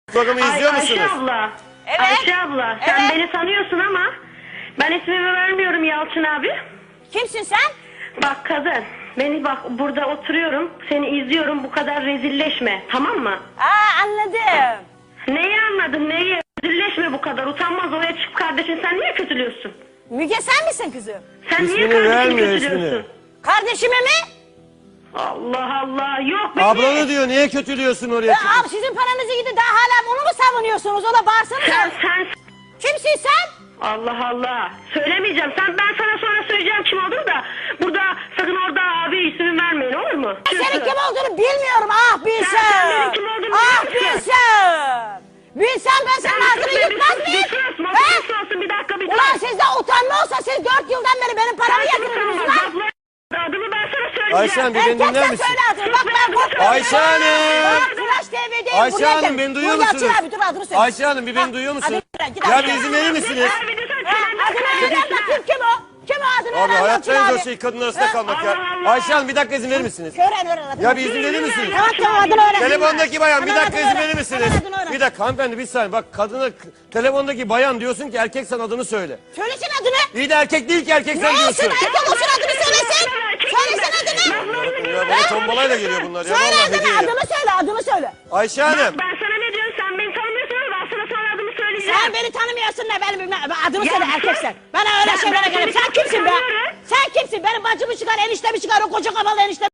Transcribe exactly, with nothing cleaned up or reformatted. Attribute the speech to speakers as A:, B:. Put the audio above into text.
A: Programı
B: Ay,
A: izliyor
B: Ayşe
A: musunuz?
B: abla.
C: Evet.
B: Ayşe abla sen
C: Evet.
B: beni tanıyorsun ama ben ismimi vermiyorum Yalçın abi.
C: Kimsin sen?
B: Bak kadın beni bak burada oturuyorum seni izliyorum bu kadar rezilleşme tamam mı?
C: Aa, anladım.
B: Neyi anladın neyi? Rezilleşme bu kadar utanmaz oraya çık kardeşin sen niye kötülüyorsun?
C: Müge sen misin kızım?
B: Sen niye
A: İsmini
B: kardeşini
A: vermiyor,
B: kötülüyorsun?
A: ismini.
C: Kardeşime mi?
B: Allah Allah yok beni.
A: Ablanı diyor, niye kötülüyorsun oraya
C: Ya,
A: çıkıp?
C: abi sizin paranızı gidin daha hala onu mu savunuyorsunuz? O da bağırsana.
B: Sen sen
C: Kimsin sen?
B: Allah Allah. Söylemeyeceğim. Sen ben sana sonra söyleyeceğim kim olduğunu da burada sakın orada abi ismi vermeyin olur mu?
C: Senin kim olduğunu bilmiyorum. Ah bilsem.
B: Sen- sen benim kim olduğumu
C: Ah
B: biliyor musun?
C: bilsem. Bilsem ben senin ağzını yutmaz mıyım? He?
B: Bir dakika bir
C: Ulan
B: dakika.
C: sizde utanma olsa siz dört yıldan beri benim paramı yatırdınız lan.
B: Adımı ben sana söyleyeceğim.
A: Ayşen bir beni dinler
C: Erkeksen
A: misin?
C: söyle adını. Bak ben korkmuyorum.
A: Ayşe Hanım.
C: Bak Flash T V'deyim.
A: Ayşe
C: buraya
A: Hanım
C: gel.
A: beni duyuyor
C: Dur, Yalçın
A: musunuz?
C: abi dur adını söyle.
A: Ayşe Hanım bir beni
C: Bak,
A: duyuyor musun?
C: adını söyle, git
A: Ya
C: adını
A: bir
C: söyle.
A: izin verir misiniz?
C: Ha, adını öğren bakayım kim o? Kim o adını
A: Abi
C: öğren
A: hayatta
C: Yalçın
A: en
C: abi.
A: zor şey kadın arasında
C: Ha?
A: kalmak ya.
B: Allah Allah.
A: Ayşe Hanım bir dakika izin verir misiniz?
C: Öğren öğren adını.
A: Ya bir izin verir misiniz?
C: Tamam tamam adını öğren.
A: Telefondaki bayan bir
C: Hemen
A: dakika
C: adını
A: izin
C: öğren.
A: verir misiniz?
C: Hemen adını öğren.
A: Bir dakika hanımefendi bir saniye bak kadına telefondaki bayan diyorsun ki erkek sen adını söyle.
C: Söylesin adını.
A: İyi de erkek değil ki erkek
C: Ne
A: sen
C: olsun
A: diyorsun.
C: erkek olsun adını söylesin. Söylesin adını.
A: Ya bana tombalayla geliyor bunlar ya
C: Söyle
A: vallahi
C: adını
A: hediye ya.
C: adını söyle adını söyle.
A: Ayşe
B: Bak,
A: Hanım.
B: ben sana ne diyorum sen beni tanımıyorsun ama ben sana sonra adımı söyleyeceğim.
C: Sen beni tanımıyorsun ne benim bilmem. Adımı
B: Ya
C: söyle
B: sen-
C: erkeksen. Bana öyle
B: Ya
C: şeylere
B: ben
C: gelip
B: seni
C: sen kimsin be?
B: tanıyorum.
C: Sen kimsin? Benim bacımı çıkar eniştemi çıkar o koca kafalı eniştemi.